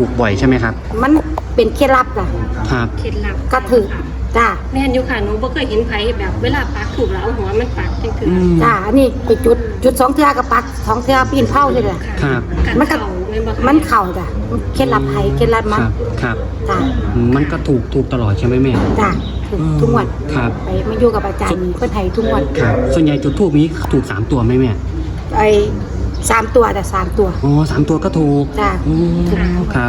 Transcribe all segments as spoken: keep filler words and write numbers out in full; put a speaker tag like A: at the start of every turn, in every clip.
A: ถูกบ่อยใช่ไหมครับ
B: มันเป็นเคล็ดลับจ้ะ
A: ครับ
C: เคล็ดลับ
B: ก็ถือจ้า
C: แม่นอยู่ค่ะหนูบ่เคยเห็นไผแบบเวลาปักถูกแล้วเอาหัวมันปักจังถือ
A: อืม
B: จ้าอันนี้ไปจุดจุดสองเทือกับปักสองเทือปีนเผาใช่ไหม
A: ครับ
B: มันก็
C: เข่าแม่นบ่คะ
B: มันเข่าจ้ะเคล็ดลับไผเคล็ดลับ
A: ค
B: มัน
A: รับครับ
B: จ้า
A: อืมมันก็ถูกถูกตลอดใช่ไหมแม่
B: จ้าถูกทุกงวัน
A: ครับ
B: ไปมาอยู่กับอาจารย์เพื่อนไทยทุกงวัน
A: ครับส่วนใหญ่จุดทูบนี้ถูกสามตัวไหมแม่
B: ไอ้สามตัวแต่สามตัว
A: อ๋อสามตัวก็ถูก
B: จ้า
A: อืมครับ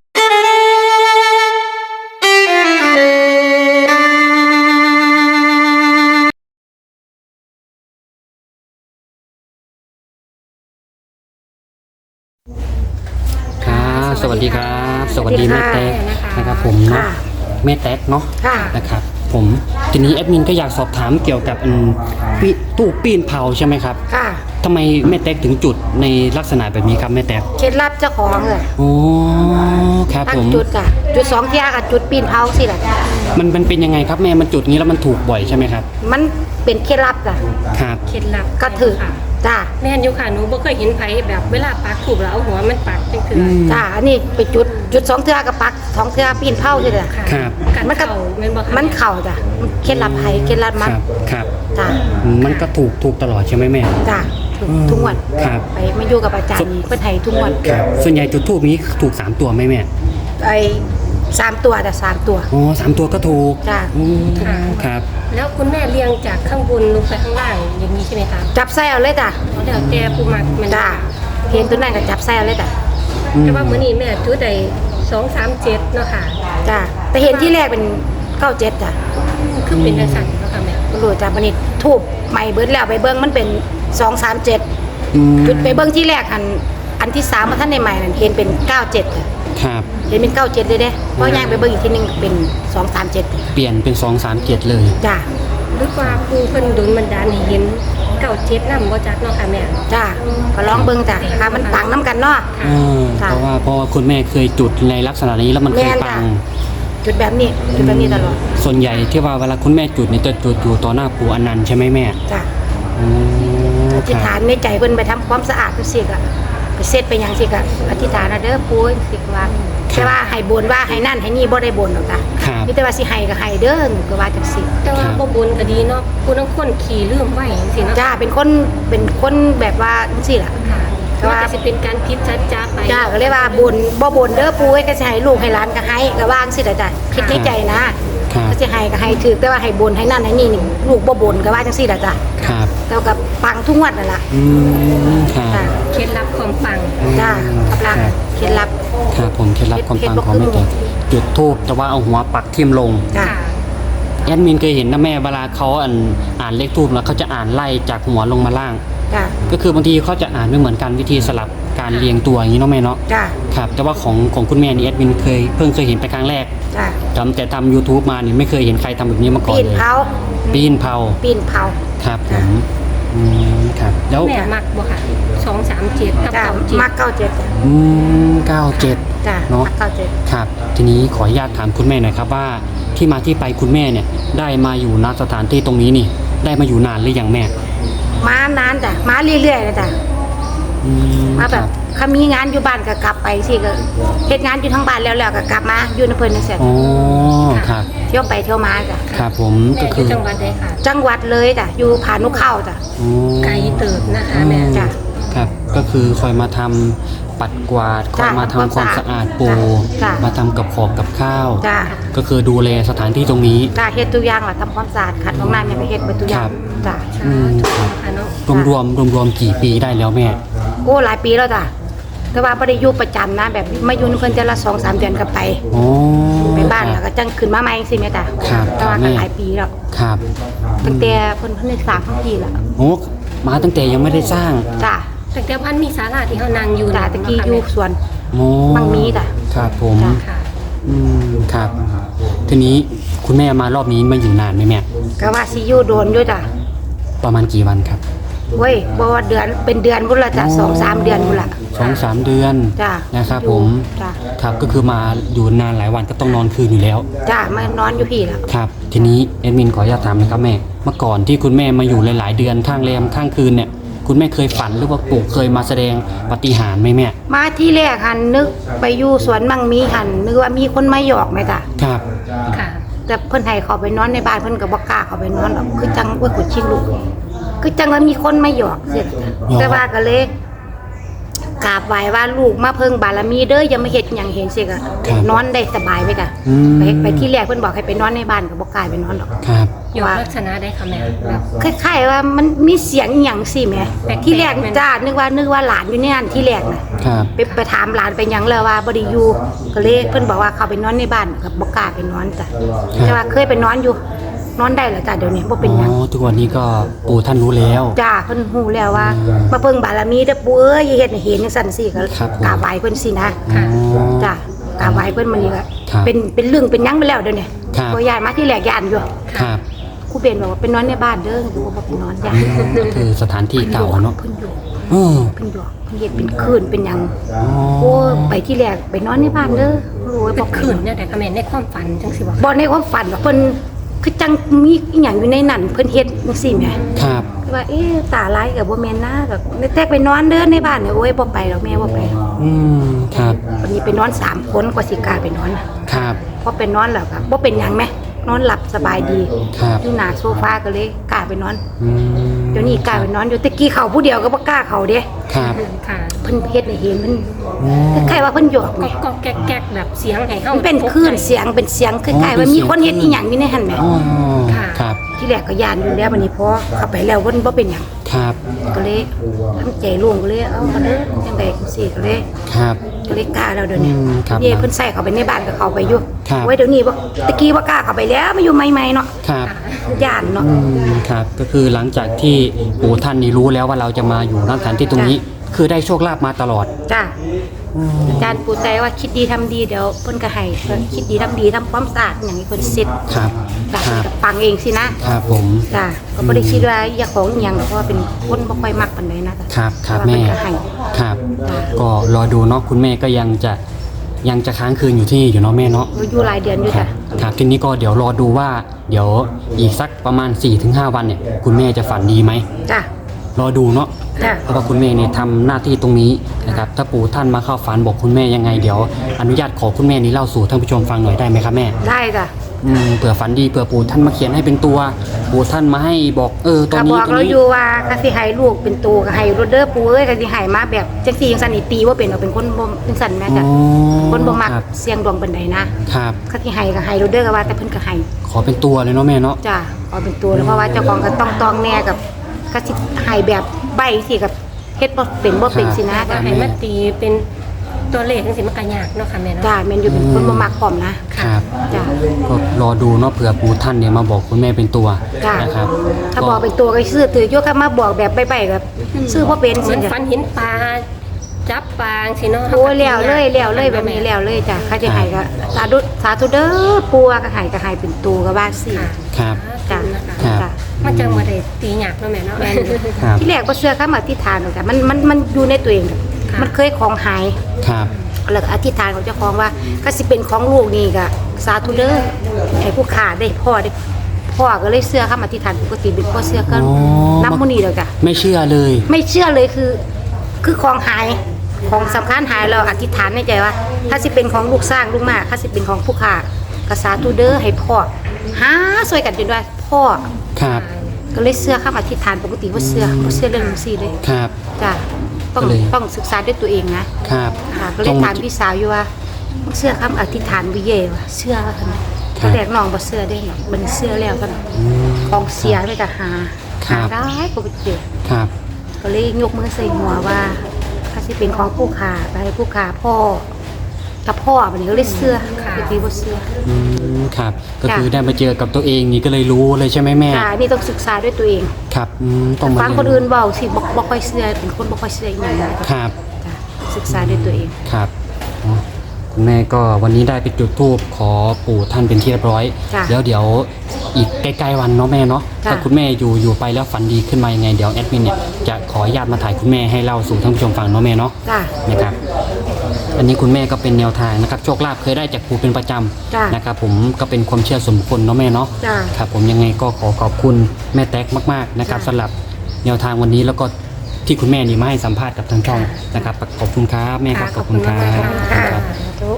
A: ครับสวัสดีครับ สวัสดีแม่แต๊กนะครับผมเนาะ
B: ค่ะ
A: แม่แต๊กเนาะ
B: ค่ะ
A: นะครับผมทีนี้แอดมินก็อยากสอบถามเกี่ยวกับอืมปีตู้ปีนเผาใช่ไหมครับ
B: ค่ะ
A: ทำไมแม่แต๊กถึงจุดในลักษณะแบบนี้ครับแม่แต๊ก
B: เคล็ดลับเจ้าของเลย
A: โอ้ครับ
B: ตั้
A: ผ
B: ง
A: ม
B: จุดจ้ะจุดสองเทือกับจุดปีนเผาสิล่ะ
A: มันมันเป็นยังไงครับแม่มันจุดนี้แล้วมันถูกบ่อยใช่ไหมครับ
B: มันเป็นเคล็ดลับจ้ะ
A: ครับ
C: เคล็ดลับ
B: ก็ถือ
C: ค่ะ
B: จ้า
C: แม่นอยู่ค่ะหนูบ่เคยเห็นไผแบบเวลาปักถูกแล้วเอาหัวมันปักจังถือ
A: อืม
B: จ้าอันนี้ไปจุดจุดสองเทือกับปักสองเทือปีนเผาใช่ไหม
C: ค่ะ
A: ครับ
C: กัด
B: มันก็
C: เข่าแม่นบ่คะ
B: มันเข่าจ้ะเคล็ดลับไผเคล็ดลับ
A: ค
B: มัน
A: รับครับ
B: จ้า
A: อืมมันก็ถูกถูกตลอดใช่ไหมแม่
B: จ้าถูก
A: อืม
B: ทุกวัน
A: ครับ
B: ไปมาอยู่กับอาจารย์เพื่อนไทยทุกวัน
A: ครับส่วนใหญ่จุดทูบนี้ถูกสามตัวไหมแม่
B: ไอ้สามตัวแต่สามตัว
A: อ๋อสามตัวก็ถูก
B: จ้า
A: อืมครับ
C: แล้วคุณแม่เลี้ยงจากข้างบนลงไปข้างล่างอย่างนี้ใช่ไหมคะ
B: จับไส้เอาเลยจ้ะ
C: เดี๋ยวแต่ผู้มักมัน
B: จ้าเห็นตัวนั้นก็จับไส้เอาเลยจ้ะ
C: แต่ว่ามื้อนี้แม่จุดได้สองสามเจ็ดเนาะค่ะ
B: จ้าแต่เห็นที่แรกเป็นเก้าเจ็ดจ้ะ
C: คือเป็นจังซั่นเนาะค่ะแม่
B: ไม่รู้จ้ะวันนี้ทูบใหม่เบิดแล้วไปเบิ้งมันเป็นสองสามเจ็ด
A: อืม
B: จุดไปเบิ้งที่แรกอันอันที่สามมาท่านในใหม่นั่นเห็นเป็นเก้าเจ็ดจ้ะ
A: ครับ
B: เห็นเป็นเก้าเจ็ดเลยเด้เพราะย่างไปเบิ้งอีกทีหนึงเป็นสองสามเจ็ด
A: เปลี่ยนเป็นสองสามเจ็ดเลย
B: จ้า
C: หรือว่าผู้เพิ่นโดนบันดาลให้เห็นเก้าเจ็ดนำบ่จักเนาะค่ะแม่
B: จ้าก็ลองเบิ้งจ้ะค่ะมันปังน้ำกันเนาะ
A: เออ
B: ค่ะ
A: เพราะว่าเพราะว่าคุณแม่เคยจุดในลักษณะนี้แล้วมันเคย
B: แม่น
A: ปั
B: จ้ะ
A: ง
B: จุดแบบนี้จุดแบบนี้ตลอด
A: ส่วนใหญ่ที่ว่าเวลาคุณแม่จุดเนี่ยจะจุดอยู่ต่อหน้าปู่อนันต์ใช่ไหมแม่
B: จ้า
A: อืม
B: อธิษ
A: ค
B: ฐา
A: รั
B: น
A: บ
B: ในใจเพิ่นไปทำความสะอาดทุกสิ่งอะไปเสร็จไปหยังสิกะอธิษฐานนะเด้อปู่สิกว่าแต่ว่าให้บนว่าให้นั่นให้นี่บ่ได้บนหรอกจ้ะ
A: ครับ
B: มีแต่ว่าสิให้ก็ให้เด้อหนูก็ว่าจังซี่
C: แต่ว่าบ่บุญก็ดีเนาะผู้ทั้งคนขี่ลืมไว้จังซี่เนาะ
B: จ้าเป็นคนเป็นคนแบบว่าจังซี่ล่ะ
C: ค่ะ
B: แต่ว่า
C: ว่าจะเป็นการคิดชัดจ้าไป
B: จ้าก็เลยว่าบนบ่บนเด้อปู่ให้ก็สิให้ลูกให้หลานก็ให้ก็ว่าจังซี่ล่ะจ้ะคิดในใจนะครับ ก็สิให้ก็ให้ถือแต่ว่าให้บนให้นั่นให้นี่นี่ลูกบ่บนก็ว่าจังซี่ล่ะจ้ะ
A: ครับ
B: แต่ว่าก็ปังทุกงวดนั่นล่ะ
A: อืมครับ
B: จ้า
C: เคล็ดลับความปัง
B: จ้ากับหลัก
A: ครับ
B: เคล็ดลับ
A: ครับผมเคล็ดลับความ
B: เคล็ด
A: ปัง
B: ลับ
A: ของแม่แตกจุดทูบแต่ว่าเอาหัวปักทิ่มลง
B: จ้า
C: ค่ะ
A: แอดมินเคยเห็นนะแม่เวลาเขาอ่านอ่านเลขทูบแล้วเขาจะอ่านไล่จากหัวลงมาล่าง
B: จ้า
A: ก็คือบางทีเขาจะอ่านไม่เหมือนกันวิธีสลับการเรียงตัวอย่างนี้เนาะแม่เนาะ
B: จ้า
A: ครับแต่ว่าของของคุณแม่นี่แอดมินเคยเพิ่งเคยเห็นไปครั้งแรก
B: จ้า
A: จำแต่ทำ YouTube มานี่ไม่เคยเห็นใครทำแบบนี้มาก่อน
B: ปีน
A: เลย
B: เผา
A: ปีนเผา
B: ปีนเผา
A: ครับผมอืมครับแล้ว
C: แม่มักบ่ค่ะสองสามเจ็ดกับ
B: จ้า
C: เก้าเจ็ด
B: มักเก้าเจ็ดจ้ะ
A: อืมเก้าเจ็ด
B: จ้า
A: เนอะ
B: มักเก้าเจ็ด
A: ครับทีนี้ขออนุญาตถามคุณแม่หน่อยครับว่าที่มาที่ไปคุณแม่เนี่ยได้มาอยู่ณสถานที่ตรงนี้นี่ ได้มาอยู่นานหรือยังแม่
B: มานานจ้ะมาเรื่อยๆนะจ้ะ
A: อืม
B: มาแบบ
A: ครับ
B: เขามีงานอยู่บ้านก็กลับไปสิก็เฮ็ดงานอยู่ทั้งบ้านแล้วๆก็กลับมาอยู่ในเพิ่นนั่นแหละ
A: อ๋อครับ
B: เที่ยวไปเที่ยวมาจ้ะ
A: ครับผม
C: แม่
A: ก็
C: อ
A: คื
C: ยู่
A: อ
C: จังหวัดใดค่ะ
B: จังหวัดเลยจ้ะอยู่ผานุเข้าจ้ะ
A: อ๋อ
C: ไกลเติบนะคะแม่
B: จ้ะ
A: ครับก็คือคอยมาทำปัดกวาดคอยมาทำความสะอาดปู
B: จ้ะ
A: มาทำกับขอบกับข้าว
B: จ้ะ
A: ก็คือดูแลสถานที่ตรงนี้
B: จ้ะเฮ็ดทุกอย่างล่ะทำความสะอาดขัดห้องน้ำยังไปเฮ็ดเบิดทุกอย่าง
A: ครับ
B: จ้ะ
A: อืมครับ
C: ค่ะเนาะ
A: รวมรวมรวมรวมๆกี่ปีได้แล้วแม่
B: โอ้หลายปีแล้วจ้ะแต่ว่าบ่ได้อยู่ประจำนะแบบมาอยู่ในเพิ่นแต่ละสองสามเดือนก็ไป
A: โอ้
B: ไปบ้านแล้วก็จังขึ้นมาใหม่จังซี่แม่จ้ะ
A: ครับ
B: แต่ว่า
A: แม่
B: ก็หลายปีแล้ว
A: ครับ
B: ตั้งแต่เพิ่นเพิ่นได้สร้างทั้งทีแล้ว
A: โอ้มาตั้งแต่ยังไม่ได้สร้าง
B: จ้ะ
C: ตั้งแต่พันมีศาลาที่เฮานั่งอยู่
B: จ้ะตะกี้อยู่สวน
A: โอ้
B: บางมีจ้ะ
A: ครับผม
B: จ้ะ
C: ค่ะ
A: อืมครับ ทีนี้คุณแม่มารอบนี้มาอยู่นานไหมแม่
B: ก็ว่าสิอยู่โดนอยู่จ้ะ
A: ประมาณกี่วันครับ
B: เว้ยบ่ว่าเดือนเป็นเดือนพุ่นละจ้ะสองสามเดือนพุ่นละ
A: สองสามเดือน
B: จ้ะ
A: นะครับ
B: อยู่
A: ผม
B: จ้ะ
A: ครับก็คือมาอยู่นานหลายวันก็ต้องนอนคืนอยู่แล้ว
B: จ้ะมานอนอยู่พี่แล้ว
A: ครับ ทีนี้แอดมินขออนุญาตถามนะครับแม่ เมื่อก่อนที่คุณแม่มาอยู่หลาย ๆ เดือนข้างแรมข้างคืนเนี่ยคุณแม่เคยฝันหรือว่าปู่เคยมาแสดงปาฏิหาริย์ไหมแม่
B: มาที่แรกหันนึกไปอยู่สวนมังมีหันนึกว่ามีคนมาหยอกไหมจ้ะ
A: ครับ
C: ค่ะ
B: แต่เพิ่นให้เขาไปนอนในบ้านเพิ่นก็บ่กล้าเขาไปนอนหรอกคือจังว่าขุดชิงลูกคือจังว่ามีคนมาหยอกเสร็จแต่ว่าก็เลยกราบไหว้ว่าลูกมาเพิ่งบารมีเด้ออย่ามาเฮ็ดหยังเห็นสิก็นอนได้สบายไปจ้ะ
A: อืม
B: ไปไปที่แรกเพิ่นบอกให้ไปนอนในบ้านก็บ่กล้าไปนอนหรอก
A: ครับ
C: อยู่ลักษณะได้ค่ะแม่แบบ
B: คล้ายๆว่ามันมีเสียงอหย่างสิแหม่
C: แปลกๆ
B: ที่แรก
C: แม่น
B: จ้านึกว่านึกว่าหลานอยู่ในนั้นที่แรกน่ะ
A: ครับ
B: ไปไปถามหลานไปหยังแล้วว่าบ่ได้อยู่ก็เลยเพิ่นบอกว่าเขาไปนอนในบ้านก็บ่กล้าไปนอนจ้ะแต่ว่าเคยไปนอนอยู่นอนได้แล้วจ้ะเดี๋ยวนี้บ่เป็นหยัง
A: อ๋อทุกวันนี้ก็ปู่ท่านรู้แล้ว
B: จ้าเพิ่นฮู้แล้วว่า
A: อืม
B: มาเพิ่งบารมีเด้อปู่เอ้ยอย่าเฮ็ดให้เห็นจังซั่นสิก็
A: ครับผม
B: กราบไหว้เพิ่นสินะ
A: อ๋อ
B: จ้ากราบไหว้เพิ่นมื้อนี้ก็
A: ครับ
B: เป็นเป็นเรื่องเป็นหยังไปแล้วเดี๋ยวนี้
A: ครับ
B: บ่ย้ายมาที่แรกย่านอยู่
A: ครับ
B: ครูเบนบอกว่าไปนอนในบ้านเด้อคือบ่ไปนอนย่าน
A: ก็คือสถานที่เก่าเนาะ
B: เพิ่นอยู่
A: เออ
B: เพิ่นอยู่เพิ่นเฮ็ดเป็นคืนเป็นหยัง
A: อ๋อ
B: โอ้ไปที่แรกไปนอนในบ้านเด้อรู้ว่า
C: เป็
B: บ่
C: น
B: คื
C: ขื
B: น
C: นเนี่ยแต่ค่ะแม่ในความฝันจังสิบอก
B: บ่ในความฝันว่าเพิ่นคือจังมีอีหยังอยู่ในนั้นเพิ่นเฮ็ดจังซี่แหม
A: ครับ
B: คือว่าเอ๊ะตาลายก็บ่แม่นนะก็แตกไปนอนเด้อในบ้านเนี่ยโอ้ยบ่ไปหรอกแม่บ่ไป
A: อืมครับ
B: วันนี้ไปนอนสามคนกว่าสิกล้าไปนอนน่ะ
A: ครับ
B: พอไปนอนแล้วก็บ่เป็นหยังแหมนอนหลับสบายดี
A: ครับ
B: อยู่หน้าโซฟาก็เลยกล้าไปนอน
A: อืม
B: เดี๋ยวนี้กล้าไปนอนอยู่ตะกี้เขาผู้เดียวก็บ่กล้าเขาเด้
A: ครับ
C: ค่ะ
B: เพิ่นเฮ็ดให้เห็นมัน
A: อ๋อ
B: คล้ายๆว่าเพิ่นหยอก
C: ก็
B: แหม
C: ก็แก๊กแก๊กแบบเสียงให้เฮา
B: มันเป็นคลื่นเสียงเป็นเสียงคล้ายๆว่ามีคนเฮ็ดอีหยังอยู่ในหั่นแหม
A: อ๋อ
C: ค่ะ
A: ครับ
B: ที่แรกก็ย่านอยู่แล้ววันนี้พอเข้าไปแล้วเพิ่นบ่เป็นหยัง
A: ครับ
B: ก็เลยทำใจโล่งก็เลยเอามาเด้อจังได๋จังซี่ก็เลย
A: ครับ
B: ก็เลยกล้าแล้วเดี๋ยวนี้
A: อืมครับ
B: นี่เพิ่นใส่เข้าไปในบ้านก็เข้าไปอยู่
A: ครับ
B: ไว้เดี๋ยวนี้บ่ตะกี้บ่กล้าเข้าไปแล้วมาอยู่ใหม่ๆเนาะ
A: ครับ
B: ย่านเนาะ
A: อืมครับก็คือหลังจากที่ปู่ท่านนี่รู้แล้วว่าเราจะมาอยู่ณสถานที่ตรงนี้ คือได้โชคลาภมาตลอด
B: จ้าอาจารย์ปู่ใจว่าคิดดีทำดีเดี๋ยวเพิ่นก็ให้เพิ่นคิดดีทำดีทำความสะอาดอย่างนี้เพิ่นเสร็จ
A: ครับ
B: จ้ะ
A: ครับ
B: ก็ปังเองสินะครับ
A: ผม
B: จ้าก็บ่ได้คิดว่าอยากของอีหยังหรอกเพราะว่าเป็นคนบ่ค่อยมักปานใดนะจ้ะ
A: ครับครับ
B: แต่ว่า
A: แม่
B: เพิ่นก็ให้
A: ครับ
B: จ้ะ
A: ก็รอดูเนาะคุณแม่ก็ยังจะยังจะค้างคืนอยู่ที่นี่อยู่เนาะแม่เนาะ
B: อยู่หลายเดือนอยู่
A: ครั
B: จ้ะ
A: บครับทีนี้ก็เดี๋ยวรอดูว่าเดี๋ยวอีกสักประมาณ สี่ถึงห้า วันเนี่ยคุณแม่จะฝันดีไหม
B: จ้ะ
A: รอดูเนาะ
B: จ้ะ
A: เพราะว่าคุณแม่เนี่ยทำหน้าที่ตรงนี้นะครับถ้าปู่ท่านมาเข้าฝันบอกคุณแม่ยังไงเดี๋ยวอนุญาตขอคุณแม่นี้เล่าสู่ท่านผู้ชมฟังหน่อยได้ไหมครับแม่
B: ได้จ้ะ
A: อืมเผื่อฝันดีเผื่อปู่ท่านมาเขียนให้เป็นตัว ปู่ท่านมาให้บอกเออตัว
B: ก็บ
A: นี้
B: อก
A: ตัว
B: เรา
A: นี้
B: อยู่ว่าก็สิให้ลูกเป็นตัวก็ให้รถเด้อปู่เอ้ยก็สิให้มาแบบจังซี่จังซั่นนี่ตีบ่เป็นหรอกเป็นคนบ่เป็นซั่นแม่
A: อ๋
B: จ้ะ
A: อ
B: คนบ่มัก
A: ครับ
B: เสียงดวงปานใดนะครับ ก็สิให้ก็ให้รถเด้อก็ว่าแต่เพิ่นก็ให้
A: ขอเป็นตัวเลยเนาะแม่เนาะ
B: จ้ะเอาเป็นตัวแล้วเพราะว่าเจ้าของก็ต้องตองแน่กับก็สิให้แบบใบสิกับเฮ็ดบ่เป็นบ่เป็นสินะ
C: ก็
B: จ้ะ
C: ให้มันตีเป็นตัวเลขจังสิมันก็ยากเนาะค่ะแม่เนาะ
B: จ้ะแม่นอยู่เป็นคนบ่มักพร้อมนะครับ จ้ะ
A: ก็รอดูเนาะเผื่อปู่ท่านเนี่ยมาบอกคุณแม่เป็นตัว
B: จ้ะ
A: นะครับ
B: ถ้าบอกเป็นตัวก็ซื้อถืออยู่ก็มาบอกแบบใบๆก็ซื้อบ่เป็น
C: เหมื
B: สิ
C: อน
B: จ้ะ
C: ฝันเห็นปลาจับปลาสิเนาะ
B: โอ้ยแล้วเลยแล้วเลยแบบนี้แล้วเลยจ้ะเขาจะให้ก็สาธุสาธุเด้อปู่ก็ให้ก็ให้เป็นตัวก็ว่าสิ
C: ค่ะ
A: ครับ
C: จ้ะ
A: ครับ
B: จ้ะ
C: มันจังบ่ได้ตีหยากเนาะแม่เนาะ
B: แม่นอยู่
A: ครับ
B: ที่แรกบ่เชื่อคำอธิษฐานหรอกจ้ะมันมันมันอยู่ในตัวเองจ้ะ
C: ค่ะ
B: มันเคยของหาย
A: ครับ
B: แล้วก็อธิษฐานของเจ้าของว่าก็สิเป็นของลูกนี่ก็สาธุเด้อให้ผู้ขาได้พ่อได้พ่อก็เลยเชื่อคำอธิษฐานปกติเป็นพ่อเชื่อก็
A: อ๋อ
B: นับมื้อนี้แล้วจ้ะ
A: ไม่เชื่อเลย
B: ไม่เชื่อเลยคือ คือของหายของสำคัญหายเราอธิษฐานในใจว่า ถ้าสิเป็นของลูกสร้างลูกมาถ้าสิเป็นของผู้ขาก็สาธุเด้อให้พ่อหาช่วยกันจนว่าพ่อ
A: ครับ
B: ก็เลยเชื่อคำอธิษฐานปกติว่าเชื่อบ่เชื่อเรื่องนี้สิเลย
A: ครับ
B: จ้ะต้อง
A: ก็เลย
B: ต้องศึกษาด้วยตัวเองนะ
A: ครับ
B: ค่ะก็เลยถามพี่สาวอยู่ว่าเชื่อคำอธิษฐานวิเย่ว่ะเชื่อว่าคั่น
A: ครับ
B: ตอนแรกน้องบ่เชื่อได้หรอกมันเชื่อแล้วกัน
A: อืม
B: ของเสียเลยก็หา
A: ครั
B: หา
A: บ
B: ได้ก็บ่เจอ
A: ครับ
B: ก็เลยยกมือใส่หัวว่าถ้าสิเป็นของผู้ขาไปให้ผู้ขาพ่อกับพ่อบัดนี้ก็เลยเชื่อ
C: ค่ะ
B: ปกติบ่เชื่อ
A: อืมครับ ก็
B: จ้ะ
A: คือได้มาเจอกับตัวเองนี่ก็เลยรู้เลยใช่ไหมแม่
B: จ้านี่ต้องศึกษาด้วยตัวเอง
A: ครับอืมต้องมา
B: ฟัง
A: เรีย
B: คนอื่นเว้าสิบ่บ่ค่อยเชื่อเป็นคนบ่ค่อยเชื่ออีหยังนะครับ จ้ะศึกษาด้วยตัวเอง
A: ครับอ๋อคุณแม่ก็วันนี้ได้ไปจุดธูปขอปู่ท่านเป็นที่เรียบร้อย
B: จ้ะ
A: แล้วเดี๋ยวอีกใกล้ๆวันเนาะแม่เนาะ
B: จ้ะ
A: ถ้าคุณแม่อยู่อยู่ไปแล้วฝันดีขึ้นมายังไงเดี๋ยวแอดมินเนี่ยจะขออนุญาตมาถ่ายคุณแม่ให้เล่าสู่ท่านผู้ชมฟังเนาะแม่เนาะ
B: จ้า
A: นะครับอันนี้คุณแม่ก็เป็นแนวทางนะครับโชคลาภเคยได้จากปู่เป็นประจ
B: จ้ะ
A: ำนะครับผมก็เป็นความเชื่อส่วนบุคคลเนาะแม่เนาะ
B: จ้า
A: ครับผมยังไงก็ขอขอบคุณแม่แต๊กมากๆนะครับ
B: จ้ะ
A: สำหรับแนวทางวันนี้แล้วก็ที่คุณแม่นี่มาให้สัมภาษณ์กับทางช่องนะครับขอบคุณครับแม่ครับขอบคุณครับ
C: ขอบคุณมากๆ
A: ค
C: ค่ะ
A: รับ
C: ทุก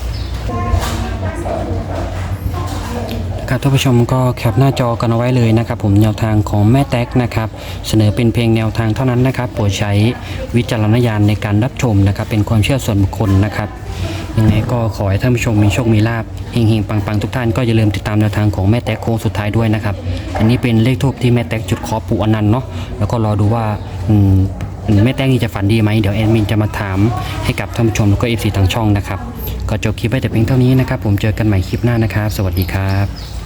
A: ครับท่านผู้ชมก็แคปหน้าจอกันเอาไว้เลยนะครับผมแนวทางของแม่แต๊กนะครับเสนอเป็นเพียงแนวทางเท่านั้นนะครับโปรดใช้วิจารณญาณในการรับชมนะครับเป็นความเชื่อส่วนบุคคลนะครับยังไงก็ขอให้ท่านผู้ชมมีโชคมีลาภเฮงๆปังๆทุกท่านก็อย่าลืมติดตามแนวทางของแม่แต๊กโค้งสุดท้ายด้วยนะครับอันนี้เป็นเลขทูปที่แม่แต๊กจุดขอปู่อนันต์เนาะแล้วก็รอดูว่าอืมแม่แต๊กนี่จะฝันดีไหมเดี๋ยวแอดมินจะมาถามให้กับท่านผู้ชมแล้วก็เอฟซีทางช่องนะครับก็จบคลิปไว้แต่เพียงเท่านี้นะครับผมเจอกันใหม่คลิปหน้านะครับสวัสดีครับ